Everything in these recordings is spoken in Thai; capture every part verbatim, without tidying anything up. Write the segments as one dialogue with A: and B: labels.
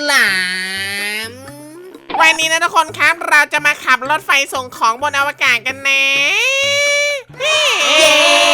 A: ลาม
B: วันนี้นะทุกคนครับเราจะมาขับรถไฟส่งของบนอวกาศกันนะเย้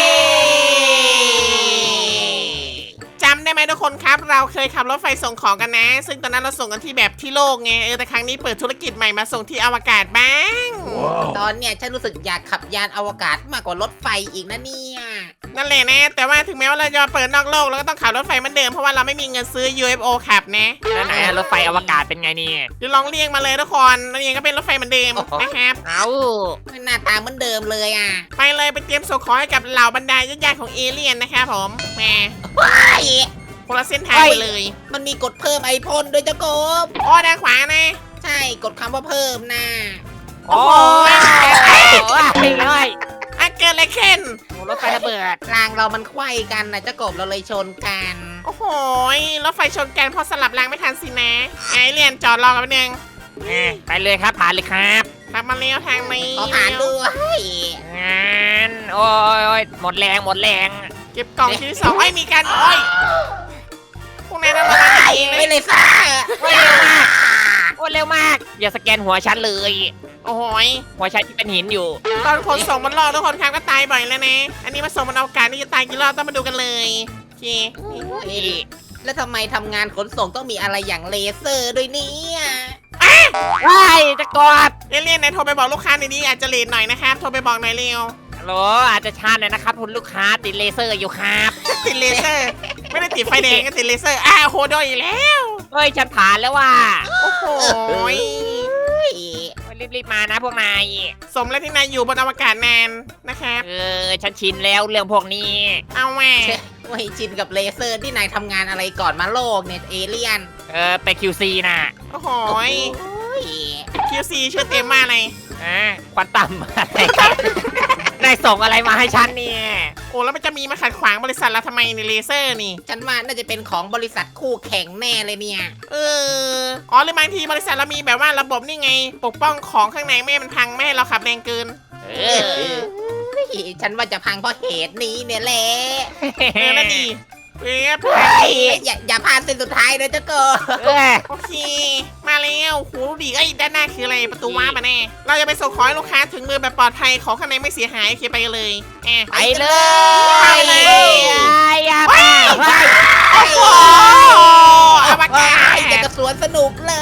B: จำได้ไหมทุกคนครับเราเคยขับรถไฟส่งของกันนะ ซึ่งตอนนั้นเราส่งกันที่แบบที่โลกไงเออแต่ครั้งนี้เปิดธุรกิจใหม่มาส่งที่อวกาศบ้าง
C: wow.
A: ตอนเนี้ยฉันรู้สึกอยากขับยานอวกาศมากกว่ารถไฟอีกนะเนี่ย
B: นั่นแหละนะแต่ว่าถึงแม้ว่าเราจะเปิดนอกโลกเราก็ต้องขับรถไฟเหมือนเดิมเพราะว่าเราไม่มีเงินซื้อ ยู เอฟ โอ ขับนะ
D: แล้วไหนอะรถไฟอวกาศเป็นไงนี่
B: เดี๋ยวลองเรียกมาเลยทุกคนนั่นเองก็เป็นรถไฟเหมือนเดิมนะครับ
D: เอา
A: หน้าตาเหมือนเดิมเลยอ่ะ
B: ไปเลยไปเตรียมส่งของให้กับเหล่าบรรดาญาติๆของเอเลี่ยนนะครับผมแหม
A: ว้าย
B: คนละเส้นทางไปเลย
A: มันมีกดเพิ่มไอพ่นด้วยเจ้ากบ
B: อ๋อด้านขวานะ
A: ใช่กดคำว่าเพิ่มนะ
D: โอ้ยโอ้ยเลย
B: อ่ะเกิดอะไรขึ้น
D: รถไฟระเบิด
A: รางเรามันไขว้กันนะเจ้ากบเราเลยชนกัน
B: โอ้โหรถไฟชนกันเพราะสลับรางไม่ทันสินะไอเลี่ยนจอดรอกันแป๊บนึง
D: ไปเลยครับผ่านเลยครับ
B: ขับมาเลี้ยวทางนี้
A: ขอผ่านด้วย
D: งานโอ้ยหมดแรงหมดแรง
B: เก็บกล่องชิ้นที่สองไอ้ยมีการโอ้ยพวกนายนั่นระวังดีๆ
A: ไม่
B: นะ
A: เลยซ่า
D: โอ้ยเร็วมากโอ้ยเร็วมาก อย่าสแกนหัวฉันเลย
B: โอ้โหย
D: หัวฉันที่เป็นหินอยู่
B: ตอนขนส่งบนโลกทุกคนครับก็ตายบ่อยแล้วนะอันนี้มาส่งบนอวกาศนี่จะตายกี่รอบต้องมาดูกันเลยโอเค
D: นี่
A: แล้วทำไมทำงานขนส่งต้องมีอะไรอย่างเลเซอร์ด้วยเนี่ย
D: ว้ายจะกอด
B: เอเลี่ยนนายโทรไปบอกลูกค้าในนี้อาจจะเลทหน่อยนะครับโทรไปบอกหน่อยเร็ว
D: ฮัลโหลอาจจะช้าหน่อยนะครับคุณลูกค้าติดเลเซอร์อยู่ครับ
B: ติดเลเซอร์ ไม่ได้ติดไฟแดงก็ติดเลเซอร์อ้าวโหโดนอีกแล้ว
D: เฮ้ยฉันผ่านแล้วว่ะ
B: โอ้โหย
D: รีบๆมานะพวกนาย
B: สมแล้วที่นายอยู่บนอวกาศนานนะครับ
D: เออฉันชินแล้วเรื่องพวกนี้
B: เอาแหว
A: ไม่ชินกับเลเซอร์ที่นายทำงานอะไรก่อนมาโลกเนี่ยเอเลี่ยน
D: เออไป คิว ซี น่ะ
B: โอ้โหย
A: โอ้ย
B: คิวซีชื่อเต็มมากเลย
D: อ่าควันต่ำอะไรกันนายส่งอะไรมาให้ฉันเนี่ย
B: โอ้แล้วมันจะมีมาขัดขวางบริษัทเราทำไมในเลเซอร์นี่
A: ฉันว่าน่าจะเป็นของบริษัทคู่แข่งแน่เลยเนี่ย
B: เอออ๋อหรือบางทีบริษัทเรามีแบบว่าระบบนี่ไง ปกป้องของข้างในไม่ให้มันพังไม่ให้เราขับแรงเกิน
D: เอ
A: เอ
D: อ
A: อฉันว่าจะพังเพราะเหตุนี้เนี่ยแหละ
B: เออนั่นดีเอ๊ะ
A: อย่าอย่าพลาดเส้นสุดท้ายนะเจ้าโก
D: เออ
B: โอเค มาแล้วโหดูดีไอ้ยด้านหน้าคืออะไรประตูว้าร์ปมาแน่เราจะไปส่งของให้ลูกค้าถึงมือแบบปลอดภัยของข้างในไม่เสียหายโอเคไปกันเลยแอะ
D: ไปเลย
B: ไปเลย
D: อย่าไปไป
B: โอ้โหอวกาศ
A: ไอ้จะกระสวนสนุกเลย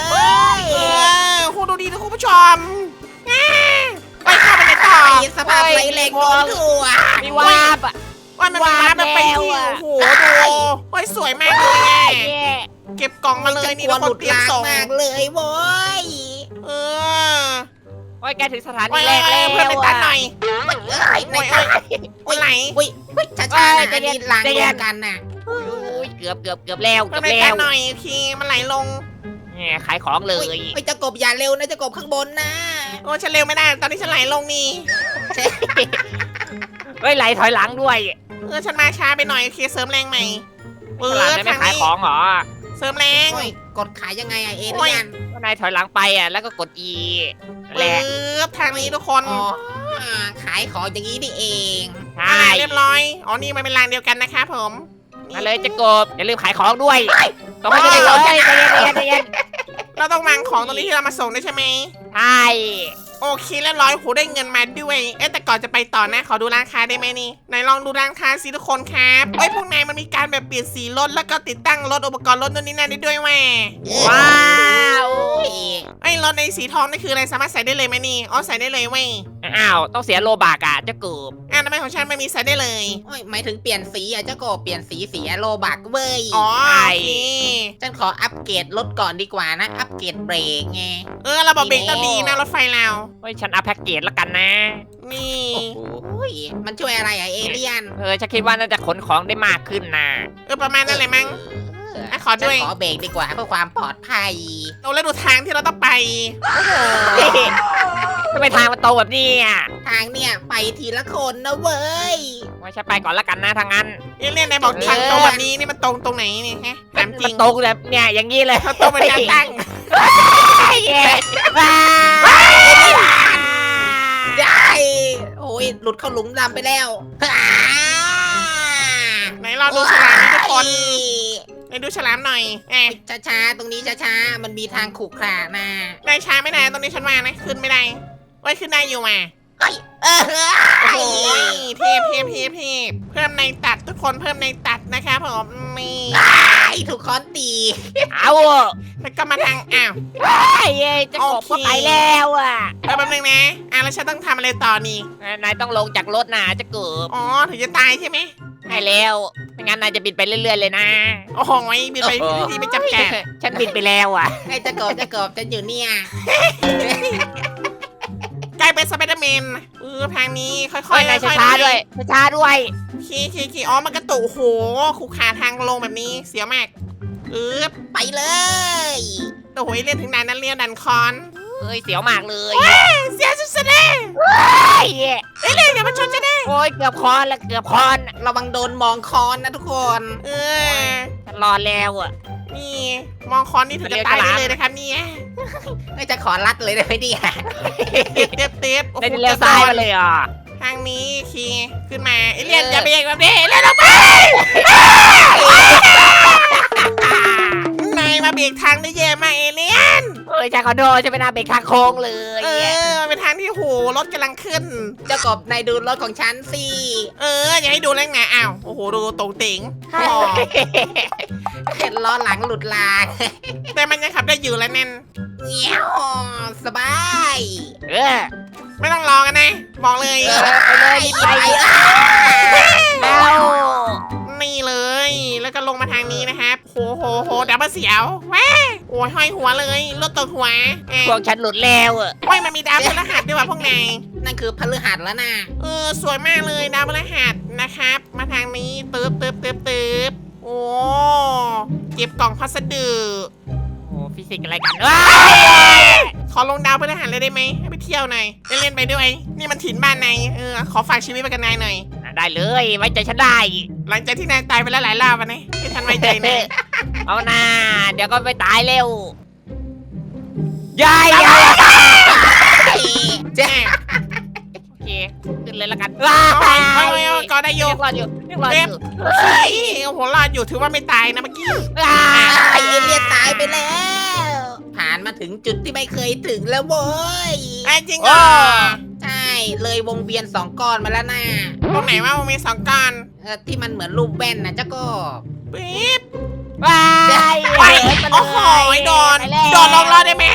B: เออคุณดูดีนะคุณผู้ชมอ่าไปเข้าไปในต่อ
A: ไอ้สภาพไรแรงโน้มถ่วง
D: มีวาบอ่ะ
B: ว่ามันมาแบบไปที่
D: ว้าว
B: โอ้โหดูโอ้ยสวยมากเลยไง
D: เย้
B: เก็บกล่องมาเลยนี่
A: ฉั
B: ทุก
A: ก
B: ค
A: ลัวน หลุด
B: เตรียม
A: ลาง
B: ส่ง
A: มากเลยโว้ย
B: เออ
D: โอ้ยแกถึงสถา
B: โอ้
D: นี
B: ย
D: แร
B: เอ้ย
D: ก
B: เอ้
D: แล้
B: ยว เพื่อนไปตัดหน่อย
A: เอ้ย
B: โอ้ยโอ้ยโอ้ยไหล
A: อุ้ยอุ้ยช้าๆนะอันนี้ลางรวมกันน่ะ
D: อุ้ยเกือบเกือบเกือบแล้ว
B: เพื่
D: เกื
B: อ
D: อน บ
B: ไป
D: แล้
B: ตัด
D: ว
B: หน่อยโอเคมันไหลลง
D: เนี่ยขายของเล
A: อุ้ย
D: ย
A: อุ้ยจะกบอย่าเร็วนะจะกบข้างบนนะ
B: โอ้ยฉันเร็วไม่ได้ตอนนี้ฉันไหลลงนี่
D: เฮ้ยไหลถอยหลังด้วย
B: เออฉันมาช้าไปหน่อยโอเคเสริมแรงใหม่เอ
D: หลัง
B: อ
D: จะไม่
B: ทาง
D: ขาย
B: นี้
D: ของเหรอ
B: เสริมแรง
A: โอ้ยกดขายยังไงอะเอเลี่ยน
D: ก็นายถอยหลังไปอ่ะแล้วก็กด E
B: เอ
D: แหละ
B: อทางนี้ทุกคน
A: อ๋อขายของอย่างนี้นี่เอง
D: ใช่
B: อ่าเรียบร้อยอ๋อนี่มันเป็นรางเดียวกันนะครับผม
D: มาเลยจะกบอย่าลืมขายของด้วยต้องให้ได้เลยใจเย็นใจเย็นใจเย็น
B: เราต้องวางของตรงนี้ที่เรามาส่งด้วยใช่ไหม
D: ใช่
B: โอเคเรียบร้อยโหได้เงินมาด้วย เอ๊ะแต่ก่อนจะไปต่อนะขอดูร้านค้าได้ไหมนี่ไหนลองดูร้านค้าสิทุกคนครับเอ้ยพวกนายมันมีการแบบเปลี่ยนสีรถแล้วก็ติดตั้งรถอุปกรณ์รถนู่นนี่นั่นได้ด้วยแม่
D: ว้าว
A: โอ้ย
B: ไอ้ยรถในสีทองนี่คืออะไรสามารถใส่ได้เลยไหมนี่อ๋อใส่ได้เลยเว้ย
D: อ้าวต้องเสียโลบากอ่ะจะกบ
B: อ่ะทำไมของฉันไม่มีใส่ได้เลย
A: โอ้ยหมายถึงเปลี่ยนสีอะเจ้าโกบเปลี่ยนสีสีโลบักเว้ย
B: อ๋อโอเค
A: ฉันขออัปเกรดรถก่อนดีกว่านะ อัปเกรดเบรกไง
B: เออระบบเบรกต้องดีนะรถไฟเรา
D: เฮ้ยฉันเอาแพ็กเกจแล้วกันนะ
B: นี่
A: โอ้ยมันช่วยอะไรอะเอเลี่ยน
D: เออฉันคิดว่าน่าจะขนของได้มากขึ้นนะ
B: เออประมาณนั้นเลยมั้ง
A: เออ
B: อ่ะขอด้วย
A: ฉันขอเบรกดีกว่าเพื่อความปลอดภัย
B: โอ้แล้วดูทางที่เราต้องไป
D: ทำไมทางมันตรงแบบนี้อ่ะ
A: ทางเนี่ยไปทีละคนนะเว้ย
D: ไว้ฉันไปก่อนละกันนะทางนั้น
B: เอเลี่ยนนายบอกทางตรงแบบนี้นี่มันตรงตรงไหนนี่ฮะถามจ
D: มั
B: ริ
D: น
B: ง
D: ตรงแบบเนี่ยอย่างนี้เลย
B: มันตรงเป็นการตั้ง
D: เย้ว้าว
A: ได้โอ้ยหลุดเข้าหลุมดำไปแล้ว
B: ไหนลองดูฉลามนี่ทุกคนในดูฉลามหน่อยแอะ
A: ช้าๆตรงนี้ช้าๆมันมีทางขรุขระนะ
B: ได้ช้าไม่ได้ตรงนี้ฉันว่านะขึ้นไม่ได้โอ้ยขึ้นได้อยู่มา
A: เอ้ยเออ
B: โอ้ยเทพเทพเทพเทพเพิ่มในตัดทุกคนเพิ่มในตัดนะคะผมนี่
A: ไอ้ถูกค้อนตี
D: เอา
B: แล้วก็มาทางอ้าว
D: ไอ้เอ้ยจะกบก็ไปแล้วอ่ะ
B: เออแป๊บนึงนะอ่ะแล้วฉันต้องทำอะไรต่อนี่
D: นายต้องลงจากรถนะจะเกิบ
B: อ๋อถึงจะตายใช่ไหม
D: ใช่แล้วไม่งั้นนายจะบินไปเรื่อยๆเลยนะ
B: โอ้โหบินไปที่ที่ไม่จำกัด
D: ฉันบินไปแล้วอ่ะ
A: ไอ้เจะกบเจะกบจะอยู่เนี่ย
B: กลายเป็นสไปเดอร์แมนเออทางนี้ค่อยๆ
D: ค่อยนาย
B: ค่อยๆ
D: ช้าๆด้วยช้าๆด้วย
B: ขี่ขี่ขี่อ๋อมันกระตุกโอ้โหขู่ขาทางลงแบบนี้เสียวมากเออ
A: ไปเลย
B: โอ้โหเล่นถึงนานนั้นเรียนดันคอน
D: เอ้ยเสียวมากเลย
B: เสียสุดๆเลย
D: ไอ้เอ้ย
B: เอ้ยเล่นอย่ามาชนจะได้
D: โอ้ยเกือบคอนแล้วเกือบคอน
A: ระวังโดนมองคอนนะทุกคน
B: เออ
D: ฉันรอแล้วอ่ะ
B: นี่มองคอนนี่ถึงจะตายได้เลยนะครับเนี่ย
A: ไอ้จะขอรัดเลยได้ไหมเนี่ย
B: เต็บเต็บเต็บโอ้โห
D: ได้เลี้ยวซ้ายมาเลยอ่ะ
B: ทางนี้ขี่ขึ้นมาเอเลียนอย่าเบรกแบบนี้เอเลียนออกไปนายมาเบรกทางได้เยอะมากเอเลียน
D: เอ้ยฉันขอโทษฉันเป็นอาเบรกทางโค้งเลย
B: เออมันเป็นทางที่โหรถกำลังขึ้น
A: เจ้ากบนายดูรถของฉันสิ
B: เอออย่าให้ดูแรงนะอ้าวโอ้โหดูตรงเต็งอ๋อ
A: เห็นล้อหลังหลุดลาง
B: แต่มันยังขับได้อยู่แล้วแน่น
A: เงี้ยวสบาย
D: เออ
B: ไม่ต้องรอกันนะบอกเลย
D: เออไปเลยรีบไป แล้ว
B: นี่เลย แล้วก็ลงมาทางนี้นะครับโหโหโหดับเบิลเสียวแว้าโอ้ยห้อยหัวเลยรถตกหัวแอะ
D: พวกฉันหลุดแล้วอ่ะ
B: ว้ายมันมีดาวพฤหัสด้วยว่ะพวกนาย
A: นั่นคือพฤหัสแล้วนะ
B: เออสวยมากเลยดาวพฤหัสนะครับ มาทางนี้ตึ๊บตึ๊บตึ๊บตึ๊บโอ้เก็บกล่องพัสดุ
D: โอ้ฟิสิกส์อะไรกันเอ้ย
B: ขอลงดาวพฤหัสเลยได้ไหมให้ไปเที่ยวหน่อยได้เล่นไปด้วย นี่มันถิ่นบ้านนายเออขอฝากชีวิตไปกับนายหน่อย
D: ได้เลยไว้ใจฉันได้
B: หลังจากที่นายตายไปแล้วหลายรอบวันนี้ที่ทันไว้ใจนาย
D: เอาหน้าเดี๋ยวก็ไปตายเร็ว ยายยาย
A: เจ๊
D: โอเคขึ้นเลยละกัน
B: เอาเอาเอาเอาก็ได้โย
D: ยังรอดอยู่ยังรอดอยู่
B: โอเคโอ้โหรอดอยู่ถือว่าไม่ตายนะเมื่อกี้
D: อ่า
A: ไอเอเลียนตายไปแล้ว ผ่านมาถึงจุดที่ไม่เคยถึงแล้วโว้ย
B: ไอ้จริงเหรอ
A: ใช่เลยวงเวียนสองก้อนมาแล้วนะ
B: ตรงไหนว่ามันมีสองก้อน
A: เออที่มันเหมือนรูปแว่นนะเจ้ากบ
B: ปิ๊บ
D: ว้าย
B: ไปโอ้โหโดนโดนลงรอดได้ไหม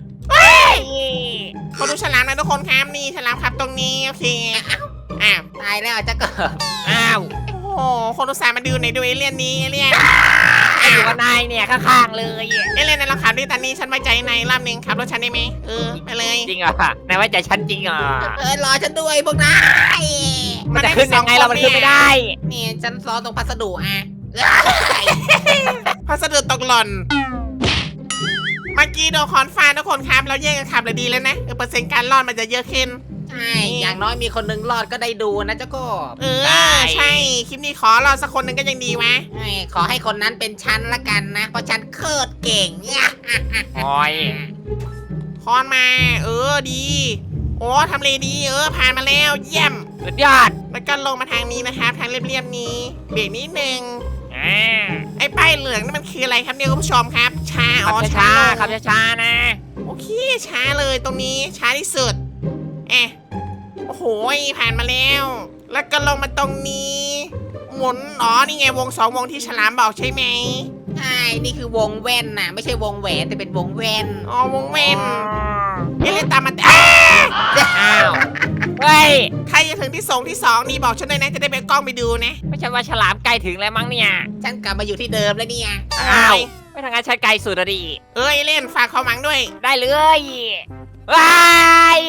B: มาดูฉลามนะทุกคนครับนี่ฉลามครับตรงนี้โอเคอ้าว
A: ตายแล้วเจ้ากบ
D: อ้าว
B: โอ้โหคนอุตส่าห์มาดูในดูเอเลี่ยนนี้เอเลี่ยน
D: อยู่กับนายเนี่ยข้างๆเลย
B: เอเลี่ยนในเราขับด้วยตอนนี้ฉันไว้ใจในรอบหนึ่งขับรถฉันได้ไหมเออไปเลย
D: จริงเหรอนายไว้ใจฉันจริงเหรอ
A: เออรอฉันด้วยพวกนาย
D: มันจะขึ้นยังไงเรามันขึ้นไม่ได้
A: นี่ฉันซ้อนตรงพัสดุอ่ะ
B: พัสดุตกหล่นเมื่อกี้โดนคอนฟ้าทุกคนครับเราแยกกันขับเลยดีแล้วนะเออเปอร์เซ็นต์การรอดมันจะเยอะขึ้น
A: ใช่อย่างน้อยมีคนหนึงรอดก็ได้ดูนะเจ้ากบ
B: เออใช่คลิปนี้ขอรอสักคนหนึ่งก็ยังดีวะ
A: ใช่ขอให้คนนั้นเป็นฉันละกันนะ เพราะฉันโคตรเก่ง
D: โอ้ย
B: คอนมา เออดี โอ้ทำเลดีเออผ่านมาแล้วเยี่ยม
D: สุดยอด
B: แล้วก็ลงมาทางนี้นะครับทางเรียบๆนี้เบรกนิดนึง
D: อ่า
B: ไอ้ป้ายเหลืองนี่มันคืออะไรครับเนี่ยคุณผู้ชมครับช้า
D: ขั
B: อ๋
D: บ
B: อ
D: ช้า
B: ช้า
D: ๆขับช้าๆนะ
B: โอเคช้าเลยตรงนี้ช้าที่สุดเอะโอ้โหผ่านมาแล้ว แล้วก็ลงมาตรงนี้ หมุนอ๋อนี่ไงวงสองวงที่ฉลามบอกใช่ไหม
A: ใช่นี่คือวงแว่นน่ะ ไม่ใช่วงแหวนแต่เป็นวงแว่น
B: อ๋อวงเว้นเอเล่นตามมาอ้า
D: อ้าวเฮ้ย
B: ใครจะถึงที่สองที่สองนี่บอกฉันด้วยนะจะได้ไปกล้องไปดูนะ
D: ไม่ใช่ว่าฉลามไกลถึงแล้วมั้งเนี่ย
A: ฉันกลับมาอยู่ที่เดิมแล้วเนี่ย
D: อ้าวไม่ทางการใช้ไกลสุดอะดิ
B: เอ้ยเล่นฝากความหวังด้วย
D: ได้เลยว้าย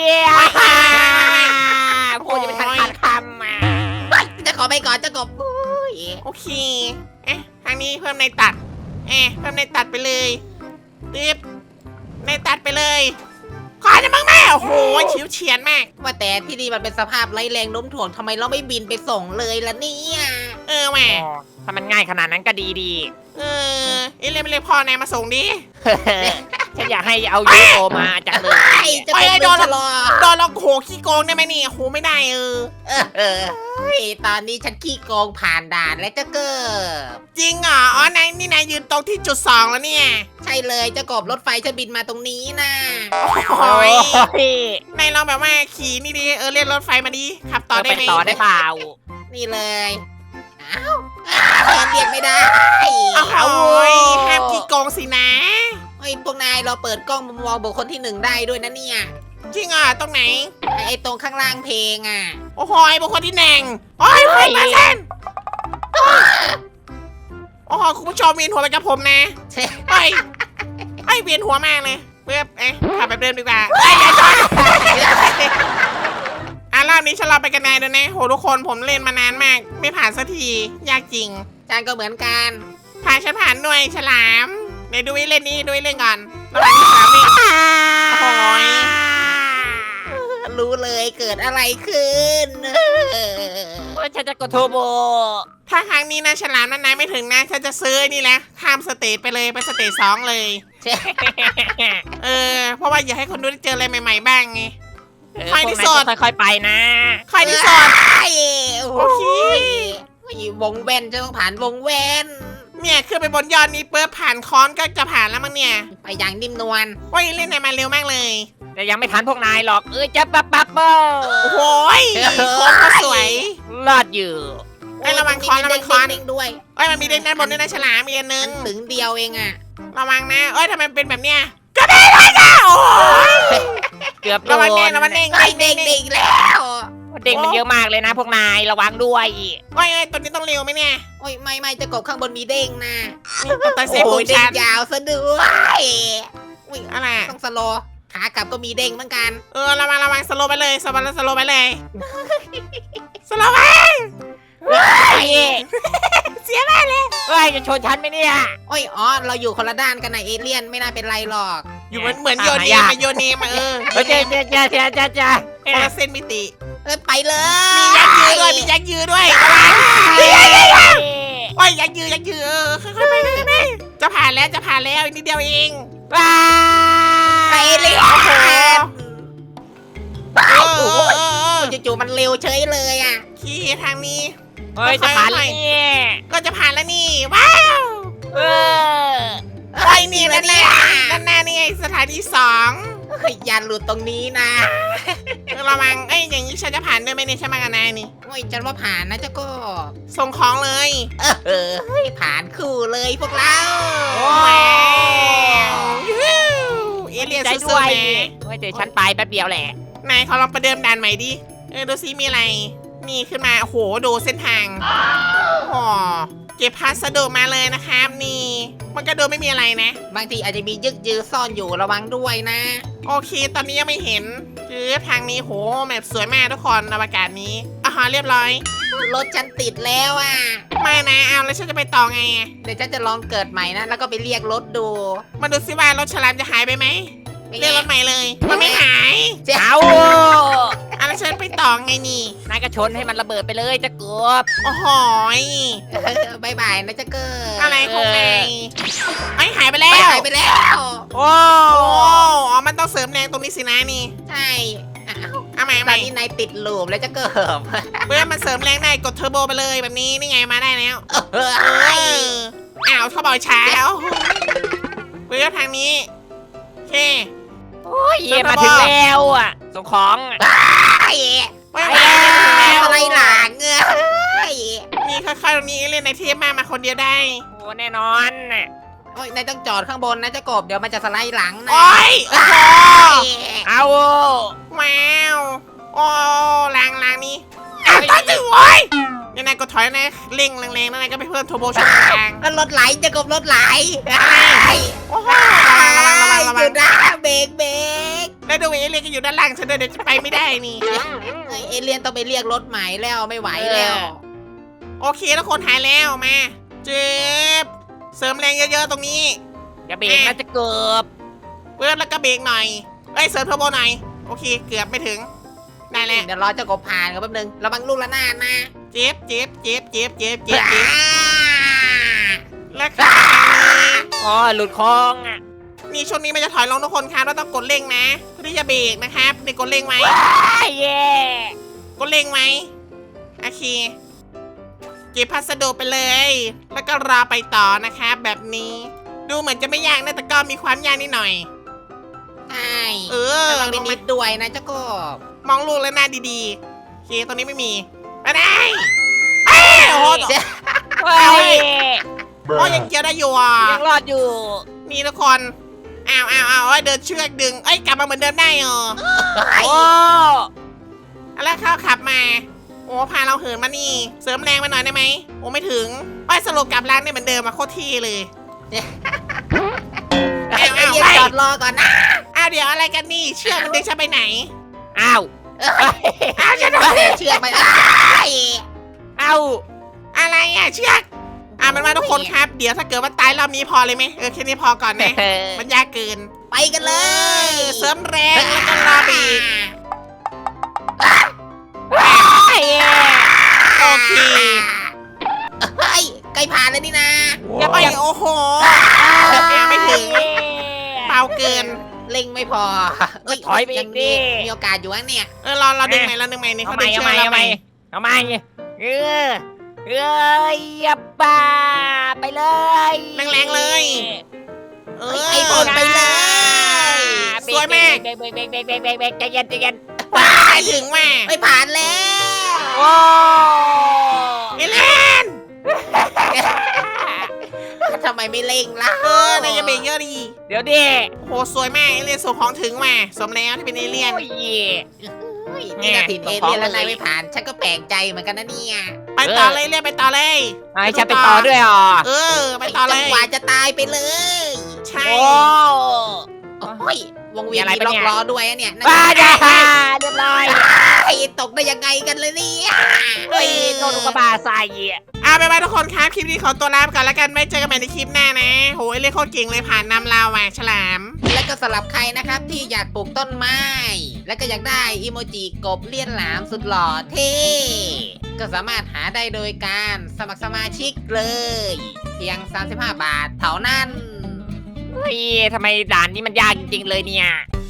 D: พูดจะไม่ทันขาดคำอ่ะ
A: จะขอไปก่อนเจ้ากบอุ้ย
B: โอเค เอ๊ะ ทางนี้เพิ่มในตัด เอ๊ะ เพิ่มในตัดไปเลยตึ๊บในตัดไปเลย ขอจะมั่งแม่โอ้โหชิวเฉียนมาก
A: ว่าแต่ที่นี่มันเป็นสภาพไร้แรงโน้มถ่วงทำไมเราไม่บินไปส่งเลยล่ะเนี่ย
B: เออแหม่
D: ถ้ามันง่ายขนาดนั้นก็ดีดี
B: เออ เอ้ยเล่นไปเลยพ่อนายมาส่งดิ
D: ฉันอยากให้เอายูโอมาจังเลย
A: ไอ้เจะกบโดนชะลอ
B: โดนเราโหขี้โกงได้ไหมนี่โหไม่ได้เออ
A: เออเออเฮ้ยตอนนี้ฉันขี้โกงผ่านด่านแล้วเจ้าเกิบ
B: จริงเหรออ๋อนายนี่นายยืนตรงที่จุดสองแล้วเนี่ย
A: ใช่เลยเจ้ากบรถไฟฉันบินมาตรงนี้นะ
B: โอ้ย
D: ย
B: นายลองแบบว่าขี่นี่ดิเออเรียกรถไฟมาดิขับต่อได้
D: ไป
B: ไหม
D: ต่อได้เปล่า
A: นี่เลยอ้าวอ้าวเรียกไม่ได้
B: โอ้โห
D: เอา
B: ห้ามขี้โกงสินะ
A: เฮ้ยพวกนายเราเปิดกล้องมุมมองบุคคลที่หนึ่งได้ด้วยนะเนี่ย
B: จริงเหรอตรงไหน
A: ไอ้ไอ้ตรงข้างล่างเพลงอ่ะ
B: โอ้โหบุคคลที่หนึ่งโอ้ยเพื่อนมาเซนโอ้โหคุณผู้ชมเวียนหัวไปกับผมนะ
A: เช่
B: เฮ้ยไอ้ยเวียนหัวมากเลยเพื่อเอ๊ะขับแบบเดิมดีกว่าไอ้ยอย่าชนอ่ะรอบนี้ฉันรอไปกันนายด้วยนะโหทุกคนผมเล่นมานานมาก ไม่ผ่านสักทียากจริง
A: จานก็เหมือนกัน
B: ผ่านฉันผ่านด้วยฉลามเดี๋ยวดูไอ้เล่นนี้ดูไอ้เล่นก่อนระหว่างที่ฉลามวิ่งโอ้ย
A: รู้เลยเกิดอะไรขึ้น
D: ว่าฉันจะกดโทรโบ
B: ถ้าครั้งนี้นะฉลามนั้นนายไม่ถึงนะฉันจะซื้อไอ้นี่แหละข้ามสเตจไปเลยไปสเตจสองเลย
A: เช่
B: เออเพราะว่าอยากให้คนดูได้เจออะไรใหม่ ๆ บ้างไง
D: เออ
B: ใครที่สด
D: พวกนายค่อยๆไปนะ
B: ใครที่สอน
A: ไอ้โอ้
B: โอเค
A: โหวงแว่นจะต้องผ่านวงแว่น
B: เนี่ยขึ้นไปบนยอดนี้เปิบผ่านค้อนก็จะผ่านแล้วมั้งเนี่ย
A: ไปอย่างนิ่มนวล
B: ว่าเล่นไหนมาเร็วมากเลย
D: แต่ยังไม่ทันพวกนายหรอก เอ้ยจะปั๊บปั๊บเบิ้
B: โอ้โหยโค้งก็สวย
D: รอดอยู่
B: ไอ้ระวังค้อนระวังค้อน
A: เด้งๆด้วย
B: เอ้ยมันมีเด้งด้านบนด้วยนะฉลามมีอันนึ
A: อั
B: ง
A: นถึงเดียวเองอ่ะ
B: ระวังนะเอ้ยทำไมเป็นแบบเนี้ยก็ได้เลยนะโอ้ย
D: เกือบโด
B: ระวัง
D: น
B: เด้งระวังเด้ง
A: ไอ้
B: เด้ง
A: เด้
B: เด้
A: ง
B: ง
A: เด้งแล้ว
D: เด้งมันเยอะมากเลยนะ พวกนายระวังด้วย
B: โอ้ยเอ้ยตัวนี้ต้องเร็วไหมเนี่ย
A: โอ้ยไม่ไม่จะกบข้างบนมีเด้งนะ
B: นี่ตัวตัวเซฟ
A: โอ้
B: ปู
A: ยเด้
B: ชั
A: ง
B: น
A: ยาวซะด้วยอุ้ย
B: อะไร
A: ต้องสโลว์ขากลับก็มีเด้งเหมือนกัน
B: เออระวังระวังสโลว์ไปเลยสโลว์สโลว์ไปเลยสโลว์ไป
D: เฮ้ย
B: เสียแม่เลย
D: เฮ้ยจะชนฉันไหมเนี่ย
A: โอ้ยอ๋อเราอยู่คนละด้านกันนะเอเลี่ยนไม่น่าเป็นไรหรอก
B: อยู่เหมือนเหมือนโยนเนมมาโยนเนมมาเออ
D: เฮ้ยเจ๊เจ๊เจ๊เจ๊เจ๊เจ๊
B: คนละเส้นมิติ
A: เอ้ยไปเลย
B: มียักษ์ยือด้วยมียักษ์ยือด้วยระวังโอ้ยยักษ์ยือยักษ์ยือเออค่อยๆไปค่อยๆไปจะผ่านแล้วจะผ่านแล้วอีกนิดเดียวเอง
D: ว้า
A: ไปเลย
B: โอ้โห
A: โอ้
B: เออ
A: โห
B: เออเออ
A: จู่ๆมันเร็วเฉยเลยอ่ะ
B: ขี่ทางนี้
D: เฮ้ยจะผ่านแล้วเนี่ย
B: ก็จะผ่านแล้วนี่ว้าว
D: เออ
B: ไอ้นี่ด้านหน้าด้านหน้านี่ไงสถานีสอง
A: เฮ้ยยันหลุดตรงนี้นะ
B: ระวังเอ้ยอย่างนี้ฉันจะผ่านด้วยไหมเนี่ยใช่ไหมกันนายนี่
A: โอ้ยฉันว่าผ่านนะเจ้าก็
B: ส่งของเลย
A: เออเออเฮ้ยผ่านคู่เลยพวกเรา
B: ว้าวยูฮูเอเลียน
D: ใจ
B: สู้
D: ด้วย
B: ๆนะ
D: เฮ้ยเดี๋ยวฉันไปแป๊บเดียวแหละ
B: นายเขาลองประเดิมด่านใหม่ดิ เออดูซิมีอะไร นี่ขึ้นมา โอ้โห ดูเส้นทางโอ้เก็บพัสดุมาเลยนะครับ นี่ มันก็ดูไม่มีอะไรนะ
A: บางทีอาจจะมียึกยือซ่อนอยู่ระวังด้วยนะ
B: โอเค ตอนนี้ยังไม่เห็นคือทางนี้โหแมพสวยมากทุกคนอวกาศนี้อ่าเรียบร้อย
A: รถฉันติดแล้วอ่ะ
B: ไม่นะ เอาแล้วฉันจะไปต่อไงอะ
A: เดี๋ยวฉันจะลองเกิดใหม่นะ แล้วก็ไปเรียกรถดู
B: มาดูซิว่ารถฉลามจะหายไปไหม เรียกรถใหม่เลย มันไม่หาย
A: เจ้า
D: เอา
B: อ่ะแล้วฉันไปต่อไงนี่
D: นายก็ชนให้มันระเบิดไปเลยจะเกือบ
B: โอ้โหย
A: บายบายนะเจ้าเกิด
B: อะไรของนายไอ้ยหายไปแล้
A: ไป
B: ว
A: หายไปแล้ว
D: โอ้
B: โอ้อ๋อ มันต้องเสริมแรงตรงนี้สินะนี่
A: ใช่อ้าว
B: เอาใหม่
A: ต
B: ให
A: อน
B: ม่
A: นี้นายติดลูปแล้วเจ้าเกิด
B: เมื่อมันเสริมแรงได้กดเทอร์โบไปเลยแบบนี้นี่ไงมาได้แล้ว
A: เออ
B: เอออ้าวเขาบอกช้าแล้วเมื่อทางนี้โอเค
D: โอ้ยมาถึงแล้วอ่ะส่งของ
A: ไอ้
B: ไป
D: ไป
B: แล้
D: แล้ว ว
A: อะไรหลังเอ้ย
B: นี่ค่อยๆตรงนี้เล่นในเทปมามาคนเดียวได้
D: โอ้แน่นอนน่ะ
A: โอ้ยนายต้องจอดข้างบนนะเจ้ากบเดี๋ยวมันจะสไลด์หลังนะ
B: โอ้ยโอ้โห
D: เอา
B: ว้าวโอ้แรงแรงนี้อ้าวตายถึงโอ้ยยังไงก็ถอยนะเร่งแรงๆแล้วนายก็ไปเพิ่มเทอร์โบช่วงกลาง
A: แล้วรถไหลเจ้ากบรถไหล
B: โอ้โหระวังระวังระวังระวั
A: อง ยู่นะเบรกเบรก
B: แล้วดูเอเลียนก็อยู่ด้านล่างฉันด้วยเดี๋ยวจะไปไม่ได้นี่
A: เอ้ยเอเลียนต้องไปเรียกรถใหม่แล้วไม่ไหวแล้ว
B: โอเคแล้วคนหายแล้วมาเจ็บเสริมแรงเยอะๆตรงนี้
D: อย่าเบรกนะจะเกือบ
B: เพิ่มแล้วก็เบรกหน่อยเอ้ยเสริมเทอร์โบหน่อยโอเคเกือบไม่ถึงได้แล้ว
A: เดี๋ยวรอเจ้ากบผ่านกันแป๊บนึงระวังลูกละนาดนะ
B: เจ็บเจ็บเจ็บเจ็บเจ็บเจ็บเจ็บ
A: อ่า
B: แล้วค่ะ
D: อ๋อหลุดคลองอ่ะ
B: นี่ช่วงนี้มันจะถอยลงทุกคนครับเราต้องกดเร่งนะเพื่อที่จะเบรกนะครับนี่กดเร่งไว้
D: เย่
B: กดเร่งไว้โอเคเก็บพัสดุไปเลย แล้วก็รอไปต่อนะครับแบบนี้ดูเหมือนจะไม่ยากนะแต่ก็มีความยากนิดหน่อย
A: ใช่
B: เออ
A: ลอง
B: ล
A: นิ
B: งมา
A: ดๆด้วยนะเจ้ากบ
B: มองลูกแล้วหน้าดีๆโอเคตรงนี้ไม่มีไปได้เอ้ยโอ้โห
D: เฮ้ย
B: โอ้ยยังเกี่ยวได้อยู่อ่ะ
D: ยังรอดอยู่
B: นี่ทุกคนอ้าวอ้าวอ้าวเอ้ยเดินเชือกดึงเอ้ยกลับมาเหมือนเดิมได้เหรอ
D: โอ้
B: แล้วเขาขับมา โอ้พาเราเหินมานี่ เสริมแรงมาหน่อยได้ไหมโอ้ไม่ถึงไปสโลกกลับร้านได้เหมือนเดิมมาโคตรที่เลย
A: ไอ้เรียกจอดรอก่อนนะ
B: อ้าวเดี๋ยวอะไรกันนี่เชือกมันดึงฉันไปไหน
D: อ้าว
B: อ้าวฉันโดน
A: เชือกไปอ้าย
D: อ้าว
B: อะไรอ่ะเชือกอ่ะมันมาทุกคนครับเดี๋ยวถ้าเกิดว่าตายรอบนี้พอเลยไหมเออแค่นี้พอก่อนนะมันยากเกิน
A: ไปกันเลย
B: เออเสริมแรงแล้วก็รอบีก โอเค
A: เฮ้ยใกล้ผ่านแล้วนี่นะ
B: อย่าไปโอ้โหยังไม่ถึงเบาเกิน
A: เล็งไม่พอเอ้ย
D: ถอยไปอีกดิ
A: มีโอกาสอยู่นะเนี่ย
B: เออเราเราดึงไหนเราดึงไหนนี่
D: เอา
B: เขา
D: ให
B: ดึ
D: ม่
B: ง
D: เอา
B: เชือก
D: ใหม่
B: เรา
D: เอา
B: ไห
D: ให
B: ม
D: ม่เอาใหม่เออเอ้ยอย่าป่าไปเลย
B: แรงๆเลยเออ
A: ไอ้บนไปเลย
B: สวยมาก
D: เบรกเบรกเบรกเบรกเบรกเบรกเบรกใจเย็นใจเย็น
B: ไปถึงมา
A: ไม่ผ่านแล้ว
D: โอ้
B: เอเลน
A: ทำไมไม่เล็งล่ะ
B: เออนายอย่าเบรกเยอะดี
D: เดี๋ยวดิ
B: โหสวยมากเอเลียนส่งของถึงมาสมแล้วที่เป็นเอเลียน
D: โอ้ย
A: เฮ้ยนี่ก็ถิ่นเอเลี่ยนแล้วนายไม่ผ่าน ฉันก็แปลกใจเหมือนกันนะเนี่ย
B: ไปต่อเลยเรียกไปต่อเลย
D: เอาให้ฉันไปต่อด้วยเหรอ
B: เออ ไปต่อเล
A: จั
B: ย
A: งหวะจะตายไปเลย
B: ใช่
D: โอ้
A: โอ้ยวงเวียน
D: มีอะไร
A: มี
D: ปะ
A: ล็อ
D: เนี่
A: ก
D: ย
A: ล้อด้วยอะเนี่ยนั่น
D: ป้าจ้าเรียบร้อย
A: ไอ้ตกได้ยังไงกันเลยเนี่ย
D: เฮ้ยโดนอุกกาบาตใส่
B: เอาไปไปทุกคนครับ คลิปนี้ขอตัวลาไปก่อนแล้วกัน ไม่เจอกันใหม่ในคลิปหน้านะ โหเอเลียนโคตรเก่งเลยผ่านนำเราว่ะฉลาม
A: และก็สำหรับใครนะครับที่อยากปลูกต้นไม้ และก็อยากได้อีโมจิกบเลี่ยนหลามสุดหล่อเท่ก็สามารถหาได้โดยการสมัครสมาชิกเลย เพียง สามสิบห้า บาทเท่านั้น
D: เฮ้ยทำไมด่านนี้มันยากจริงๆเลยเนี่ย